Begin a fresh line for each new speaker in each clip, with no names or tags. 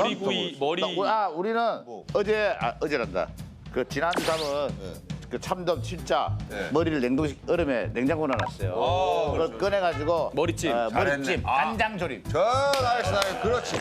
머리구이 머리.
우리는 어제란다. 그 지난 밤은 그 참돔 진짜 머리를 얼음에 냉장고에 넣어놨어요. 그걸 꺼내가지고
머리찜.
머리찜, 간장조림.
나이스. 그렇지.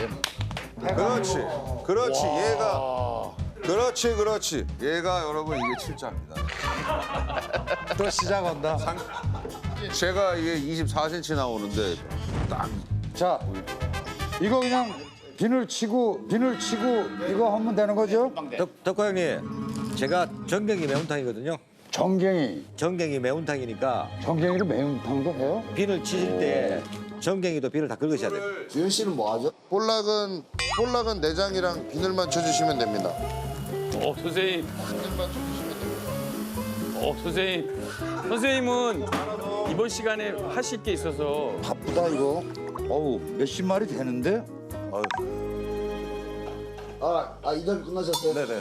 그렇지. 얘가 여러분 이게 칠자입니다.
또 시작한다.
제가 이게 24cm 나오는데 딱
자, 이거 그냥 비늘 치고 이거 하면 되는 거죠?
덕호 형님, 제가 전갱이 매운탕이거든요.
정갱이
매운탕이니까
정갱이로 매운탕도 해요?
비늘 치실 때 전갱이도 비늘 다 긁으셔야 돼요.
주현 씨는 뭐 하죠?
볼락은 내장이랑 비늘만 쳐주시면 됩니다.
선생님. 선생님은 이번 시간에 하실 게 있어서
바쁘다 이거. 어우 몇십 마리 되는데?
이달 끝나셨어요?
네네.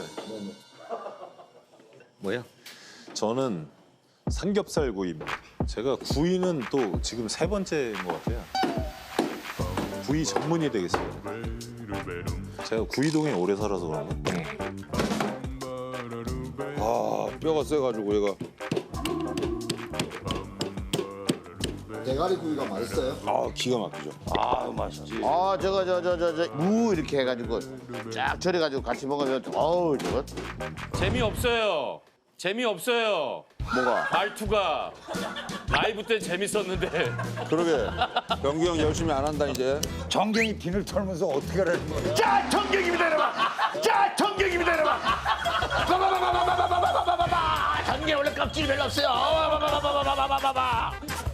뭐야?
저는 삼겹살 구이입니다. 제가 구이는 또 지금 3번째인 것 같아요. 구이 전문이 되겠습니다. 제가 구이동에 오래 살아서 그런가?
뼈가 세가지고 얘가
대가리 구이가 맛있어요?
기가 막히죠.
무 이렇게 해가지고 쫙 절여가지고 같이 먹으면 어우 저거
재미없어요.
뭐가?
말투가 라이브 때 재밌었는데.
그러게 병규 형 열심히 안 한다 이제.
정갱이 비늘 털면서 어떻게 하라는 거야?
자 정경입니다 여러분. 자 정경입니다 여러분. 바바바바바바바바바바바바. 정경 원래 껍질이 별로 없어요. 바바바바바바바바바바.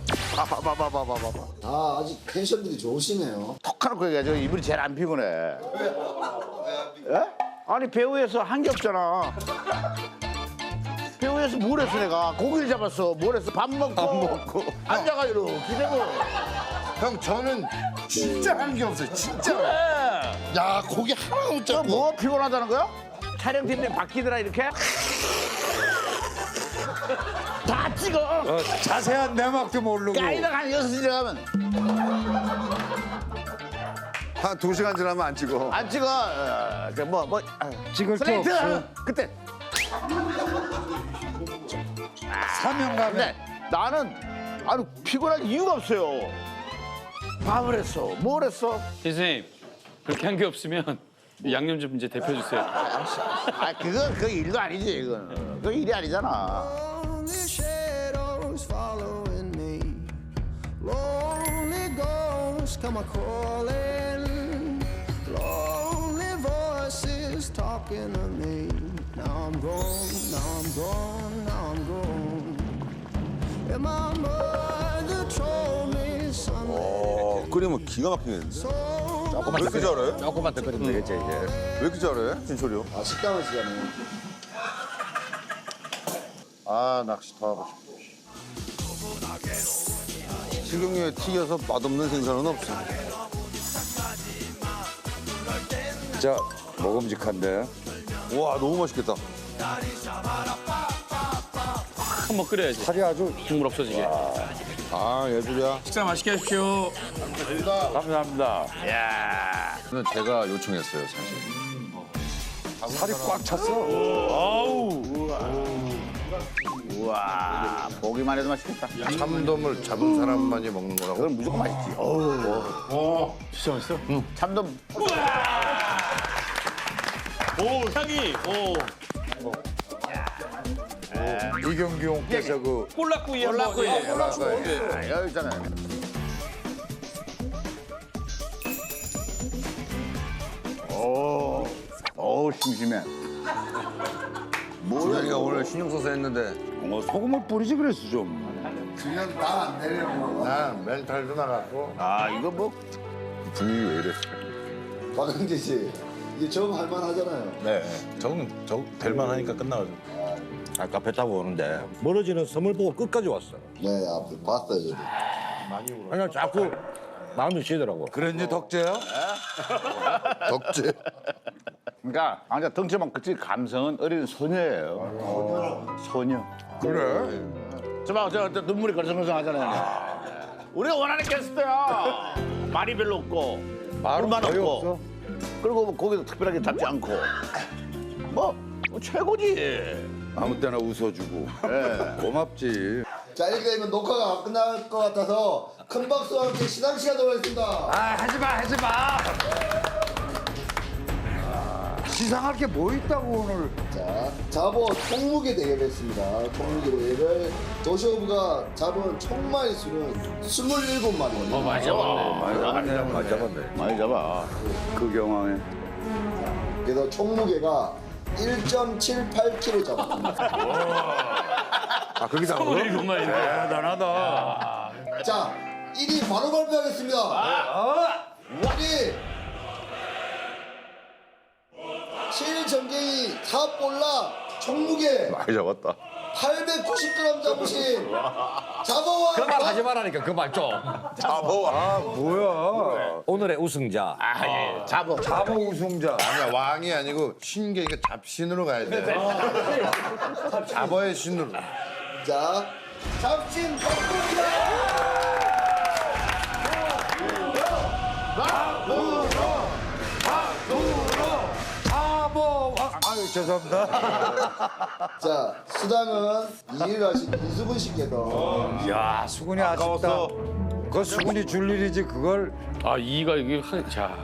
아직 텐션들이 좋으시네요.
톡 하놓고 얘기하죠. 이분이 제일 안 피곤해. 예? 아니 배우에서 한 게 없잖아. 배우에서 뭘 했어 내가? 고기를 잡았어. 뭘 했어? 밥 먹고. 앉아가지고 기대고.
형 저는 진짜 한 게 없어요. 진짜. 야 고기 하나 못
저
잡고.
뭐 피곤하다는 거야? 촬영팀에 바뀌더라 이렇게? 다 찍어.
자세한 내막도 모르고.
까이다가 한 6시에 가면
한 2시간 지나면 안 찍어.
안 찍어.
찍을 게
슬레이트.
없어.
그때.
사명감에.
근데 나는 아니 피곤할 이유가 없어요. 밥을 했어. 뭘 했어?
선생님 그렇게 한 게 없으면 양념 좀 이제 데펴주세요.
그건 그 일도 아니지 이건. 그 일이 아니잖아.
Lonely shadows following me. Lonely ghosts come a calling. Lonely voices talking to me. Now I'm gone, now I'm gone, now I'm gone. And my mother told me someday.
끓이면 기가 막히겠는데. 왜 이렇게 잘해?
조금만 더 끓이면 되겠죠, 이제.
왜 이렇게 잘해? 진철이 형.
식당을 시잖아요.
낚시 더 하고 싶어. 식용유에 튀겨서 맛없는 생선은 없어.
자, 먹음직한데.
와 너무 맛있겠다.
한번 끓여야지.
살이 아주
국물 없어지게.
예술이야.
식사 맛있게 하십시오.
감사합니다.
이건 제가 요청했어요 사실.
살이 꽉 찼어.
우와 보기만 해도 맛있겠다.
참돔을 잡은 사람만이 먹는 거라고.
그건 무조건 맛있지. 진짜 맛있어? 응. 참돔.
오 향이.
이경규 형께서 그
꼴락구이 한번.
여기 있잖아요. 오 심심해.
우리가 오늘 신경 써서 했는데
소금을 뿌리지 그랬어 좀.
그냥 나안 내려고.
난 멘탈도 나갔고.
이거 뭐
분위기 왜 이래?
박은재 씨, 이게 좀 할만하잖아요.
네. 저 될만 하니까 끝나가지고.
아까 배 타고 오는데 멀어지는 섬을 보고 끝까지 왔어.
네, 앞에 봤어요. 저도.
그냥 자꾸 마음이 쉬더라고.
그랬니 덕재야?
덕재.
그러니까 완전 덩치만 그치 감성은 어린 소녀예요. 소녀.
그래?
저 눈물이 걸성걸성하잖아요. 우리가 원하는 게스트야. 말이 별로 없고 물만
거의
없고
없어.
그리고 뭐 고기도 특별하게 잡지 않고 뭐 최고지.
아무 때나 웃어주고. 고맙지.
자 이렇게 되면 녹화가 끝날 것 같아서 큰 박수와 함께 시상 시간으로 하겠습니다.
아 하지 마. 시상할 게 뭐 있다고 오늘.
자, 자보 총무게 대결했습니다. 총무게 대결을 도시오브가 잡은 총마리 수는 27마리입니다.
많이 잡았네.
많이 잡았네.
많이 잡아.
그 경황에.
그래서 총무게가 1.78kg 잡았습니다.
아 그게 다 그거?
27마리인데.
대단하다.
자, 1위 바로 발표하겠습니다. 1위 실전갱이 사볼라 총무게
많이 잡았다.
890g 잡으신 자보와
그 말 하지 말라니까 그 말 좀. 잡어.
아 뭐야.
오늘의 우승자.
잡어.
자보 우승자.
아니야 왕이 아니고 신계니까 잡신으로 가야 돼. 잡어의 신으로.
자, 잡신 박수입니다.
아유 죄송합니다.
자, 수당은 2위를 하신 이수근 씨께서
야 수근이 아쉽다. 그거 수근이 줄 일이지 그걸.
아, 2가 이게 자.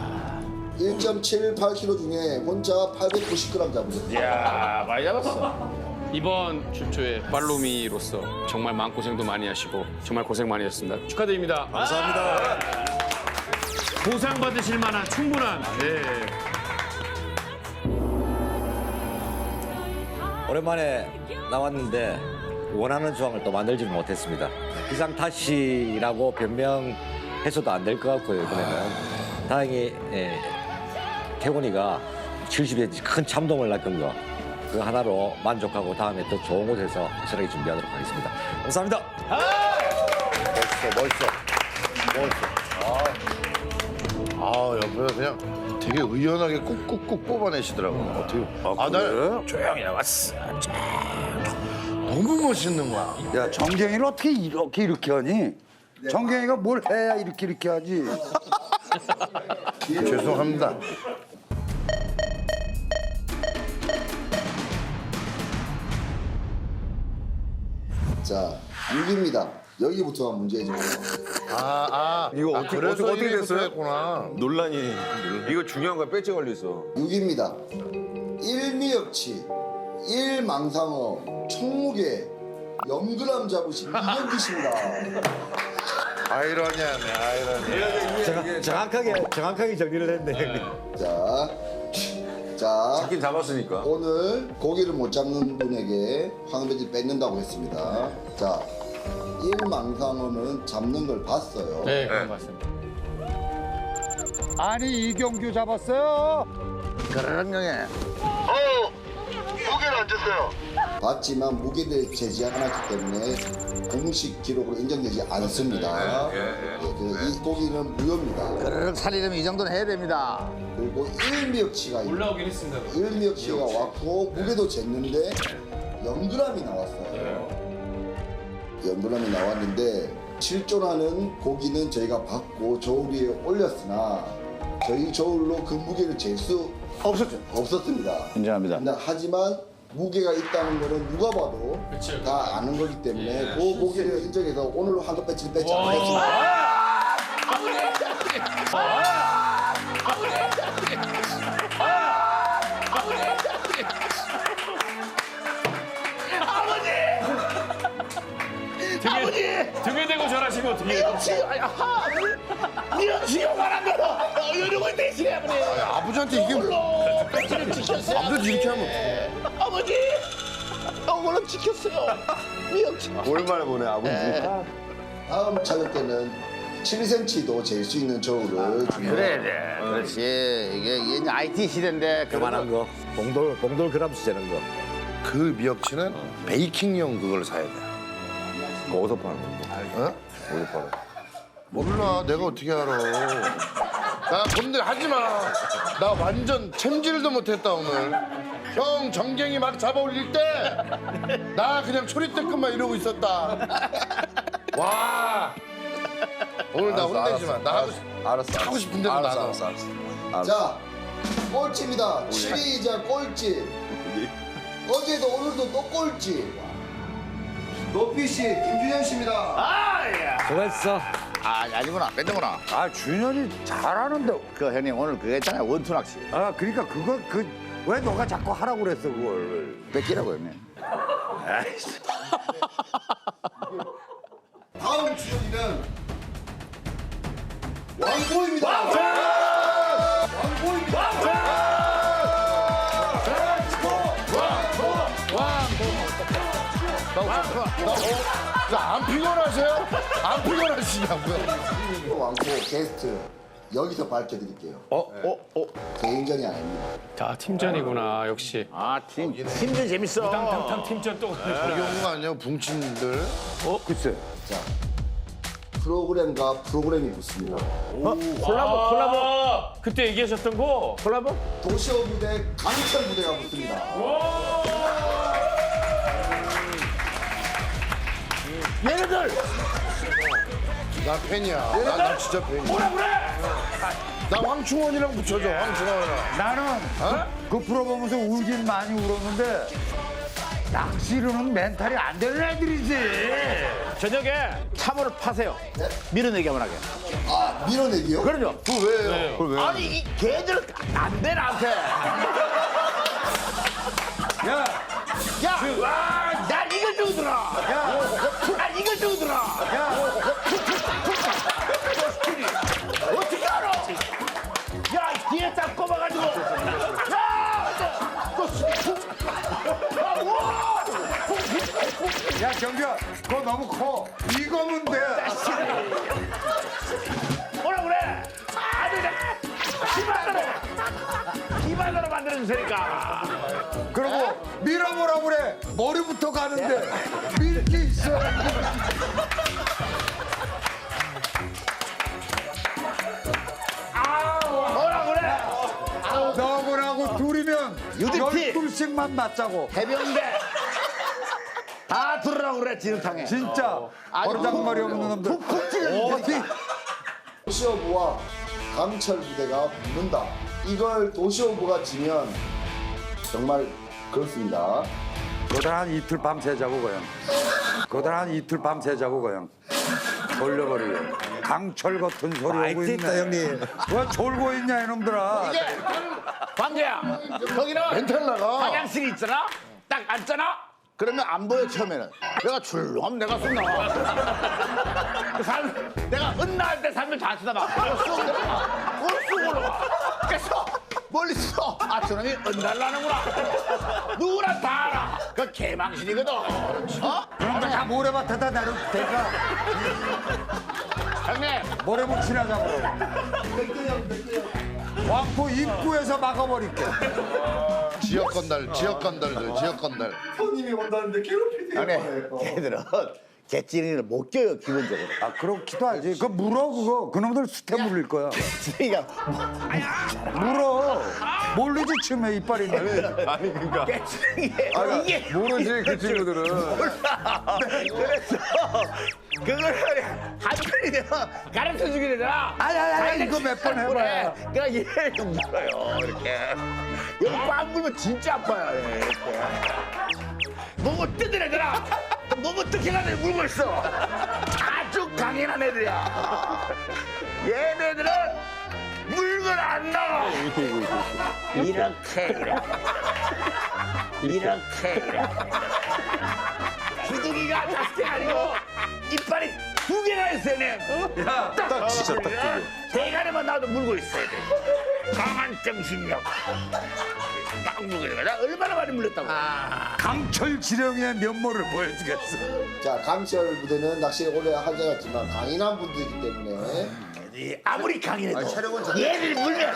1.78kg 중에 혼자 890g 잡으셨습니다.
이야 많이 잡았어.
이번 출조에 팔로미로서 정말 마음고생도 많이 하시고 정말 고생 많이 하셨습니다. 축하드립니다.
감사합니다.
보상받으실 만한 충분한
오랜만에 나왔는데 원하는 조항을 또 만들지는 못했습니다. 기상 탓이라고 변명해서도 안 될 것 같고요. 이번에는 다행히 태곤이가 70에 큰 참동을 낚은 거 그 하나로 만족하고 다음에 더 좋은 곳에서 확실하게 준비하도록 하겠습니다. 감사합니다.
아 옆에서 그냥 되게 의연하게 꾹꾹꾹 뽑아내시더라고. 어떻게? 나는 조용히 나왔어. 너무 멋있는 거야.
야 정경이는 어떻게 이렇게 하니? 정경이가 뭘 해야 이렇게 하지?
죄송합니다.
자, 6위입니다. 여기부터가 문제죠.
이거 어떻게 됐어요? 했구나.
논란이
이거 중요한 거야. 배지 걸려 있어.
6위입니다. 일미역치, 일망상어, 총무게 0g 잡으신 이경기 씨입니다.
아이러니하네, 아이러니.
정확하게 정리를 했네.
자,
잡긴 잡았으니까.
오늘 고기를 못 잡는 분에게 황배지 뺏는다고 했습니다. 자, 일망상어는 잡는 걸 봤어요.
네, 그런 것 같습니다.
아니 이경규 잡았어요.
그런 경에
무게를 안 쳤어요.
봤지만 무게를 제지하지 않았기 때문에 공식 기록으로 인정되지 않습니다. 그래서 이 고기는 무효입니다.
그런 살이려면 이 정도는 해야 됩니다.
그리고 일미역치가
올라오긴 했습니다.
일미역치가 왔고 무게도 쟀는데 0g이 나왔어요. 0g이 나왔는데 실존하는 고기는 저희가 받고 저울 위에 올렸으나 저희 저울로 그 무게를 잴 수 없었습니다.
인정합니다.
근데 하지만 무게가 있다는 거는 누가 봐도 다 아는 거기 때문에 그 무게를 인정해서 오늘로 한도 배치를 뺏지 않겠습니다.
등에 대고 절하시면 어떻게 해요?
이러고 있대 시아버지
아버지한테 이게 뭐?
배치를 지켰어요.
아버지 이렇게 하면
아버지 오늘은 지켰어요. 미역치.
오랜만에 보네 아버지.
다음 촬영 때는 7cm도 잴 수 있는 저울을
그래. 그렇지. 이게 이제 IT 시대인데
그만한 거. 봉돌 그램수 재는 거.
그 미역치는 베이킹용 그걸 사야 돼.
어디서 파는 거?
어?
어디서 팔아?
몰라 내가 어떻게 알아. 나 건들 하지 마. 나 완전 챔질도 못했다 오늘. 형 정갱이 막 잡아 올릴 때 나 그냥 초리대끈만 이러고 있었다. 와. 오늘 나 혼내지 마. 나 하고 싶은데도 나도.
자, 꼴찌입니다. 7위이자 꼴찌. 어제도 오늘도 또 꼴찌. 노피 씨, 김준현 씨입니다.
수고했어.
아니구나. 뺀다구나.
아 준현이 잘하는데.
그 형님 오늘 그거 했잖아요. 원투 낚시.
아 그러니까 그거 왜 너가 자꾸 하라고 그랬어 그걸.
뺏기라고 형님.
다음 주연이는 왕보입니다.
안 피곤하세요? 안 피곤하시냐고요?
왕보 게스트 여기서 밝혀드릴게요. 개인전이 아닙니다.
자, 팀전이구나, 역시.
팀도 재밌어.
탕탕 팀전 또.
여기 온 거 아니에요? 붕친들.
글쎄.
프로그램과 프로그램이 붙습니다.
콜라보. 그때 얘기하셨던 거.
콜라보?
도시어 무대, 강철 무대가 붙습니다.
얘네들
나 팬이야. 나 진짜 팬이야.
뭐라 그래?
나 황충원이랑 붙여줘. 황충원이랑.
나는 그 프로 보면서 울긴 많이 울었는데 낚시로는 멘탈이 안 되는 애들이지.
저녁에 참으로 파세요. 밀어내기 한번 하게.
아, 밀어내기요?
그럼요.
왜요? 그걸 왜?
아니 이 걔들 안 돼 나한테.
야,
야, 와, 나 이거 주더라. 야, 나 이거 주더라.
야,
어떻게 알아? 야, 뒤에 딱 꼽아가지고. 야,
야 경규야, 그거 너무 커. 이거면 돼.
뭐라 그래? 아들, 기발로 만들어주세니까.
그리고 밀어보라 그래. 머리부터 가는데 밀 게 있어.
뭐라 그래?
너하고 둘이면
UDT.
12씩만 맞자고.
해병대. 다 들으라고 그래, 지능탕에.
진짜 버르장머리 없는 놈들.
푹 찌르는
어디?
도시어부와 강철 무대가 붙는다. 이걸 도시어부가 지면 정말 그렇습니다.
그들 한 이틀 밤 새자고 그냥. 그들 한 이틀 밤 새자고 그냥. 돌려버리게. 강철 같은 소리 오고 있네.
형님.
왜 졸고 있냐 이놈들아.
광재야, 거기는
멘탈 나가.
화장실이 있잖아? 딱 앉잖아? 그러면 안 보여, 처음에는. 내가 출렁하면 내가 쑥 나와. 내가 은나할 때 살면 다 쳐다봐. 쑥 내려가. 쑥 올라가. 그래서 멀리서 아, 저놈이 은날라는구나. 누구나 다 알아. 그 개망신이거든. 어?
그런데 다 모래밭에다 내려 대가
형님,
모래묵 친하자고. 왕포 입구에서 막아버릴게.
지역 건달, 지역 건달들, 지역 건달.
손님이 온다는데 괴롭히세요.
형님, 걔들은 개찌리를 못 껴요, 기본적으로.
아 그렇기도 하지. 그 물어 그거. 그놈들 수태 물릴 거야.
그러니까
물어. 모르지 치면 이빨이 있는데.
아니 그러니까.
개찌리 이게
모르지 그 친구들은.
몰라. 그래서 그걸 한편이 되면 가르쳐 주게 되잖아.
아야야 이거 몇 번 해봐야.
그러니까 얘를 좀 물어요, 이렇게. 여기 꽉 물면 진짜 아파요, 이렇게. 몸을 뜯은 애들아. 몸을 뜯겨가지고 물고 있어. 아주 강인한 애들이야. 얘네들은 물건 안 나와. 이렇게. 주둥이가 다섯 개 아니고 이빨이 두 개가 있어야 돼.
딱 진짜 딱 두 개.
대가리만 나도 물고 있어야 돼. 강한 정신력. 딱 물고 있는 거야. 나 얼마나 많이 물렸다고.
강철 지령의 면모를 보여주겠어.
자, 강철 무대는 낚시를 오래 하지 않았지만 강인한 분들이기 때문에
아무리 강인해도 얘를 물면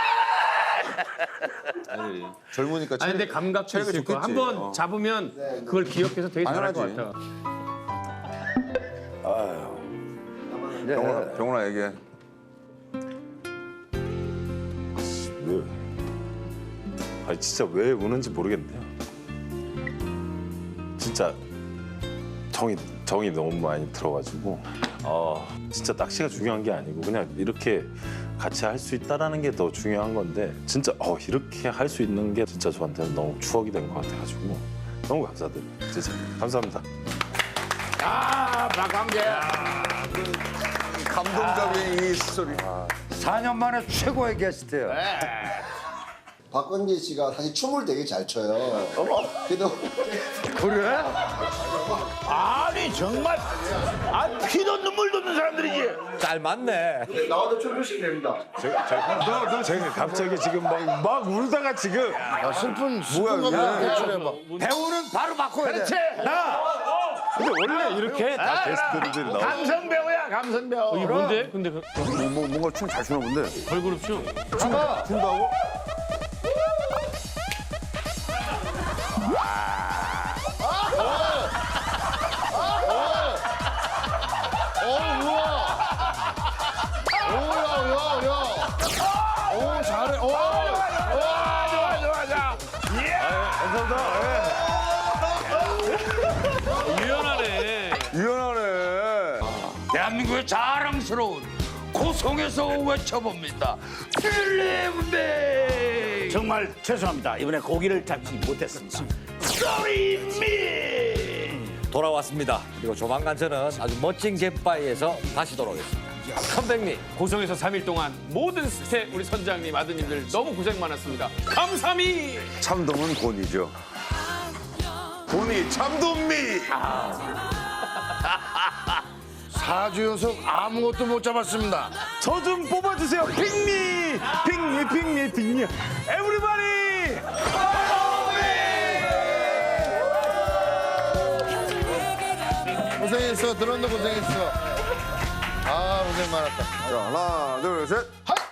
젊으니까
아니, 근데 감각도 있을 거야. 한번 잡으면 그걸 기억해서 되게 잘할 것 같아.
병원아 얘기해. 왜? 아니 진짜 왜 우는지 모르겠네요. 진짜 정이 너무 많이 들어가지고 진짜 낚시가 중요한 게 아니고 그냥 이렇게 같이 할 수 있다라는 게 더 중요한 건데 진짜 이렇게 할 수 있는 게 진짜 저한테는 너무 추억이 된 것 같아가지고 너무 감사드려요. 진짜 감사합니다.
박광재.
감동적인 이 스토리.
4년 만에 최고의 게스트예요.
박광재 씨가 사실 춤을 되게 잘 춰요. 그래도
아니 정말 피도 눈물도 없는 사람들이지.
잘 맞네.
제가 갑자기 지금 막 울다가 지금
슬픈 감정 대출해봐.
배우는 바로 바꿔야 돼.
근데 원래 이렇게 다 게스트들이 나오고
감성 배우야 감성 배우.
이게 뭔데? 근데
뭔가 춤 잘 추나 본데.
걸그룹 춤.
춘다고? 오, 잘해.
유연하네.
유연하네.
대한민국의 자랑스러운 고성에서 외쳐봅니다. 필름배. 정말 죄송합니다. 이번에 고기를 잡지 못했습니다. Sorry me.
돌아왔습니다. 그리고 조만간 저는 아주 멋진 갯바위에서 다시 돌아오겠습니다. 선배님,
고성에서 3일 동안 모든 스태 우리 선장님 아드님들 너무 고생 많았습니다. 감사미.
참돔은 곤이죠. 곤이 참돔미. 4주 연속 아무것도 못 잡았습니다.
저 좀 뽑아주세요. 핑미, 핑미, 핑미, 핑미. 에브리바디.
고생했어. 드론도 고생했어. 아, 고생 많았다. 자, 하나, 둘, 셋.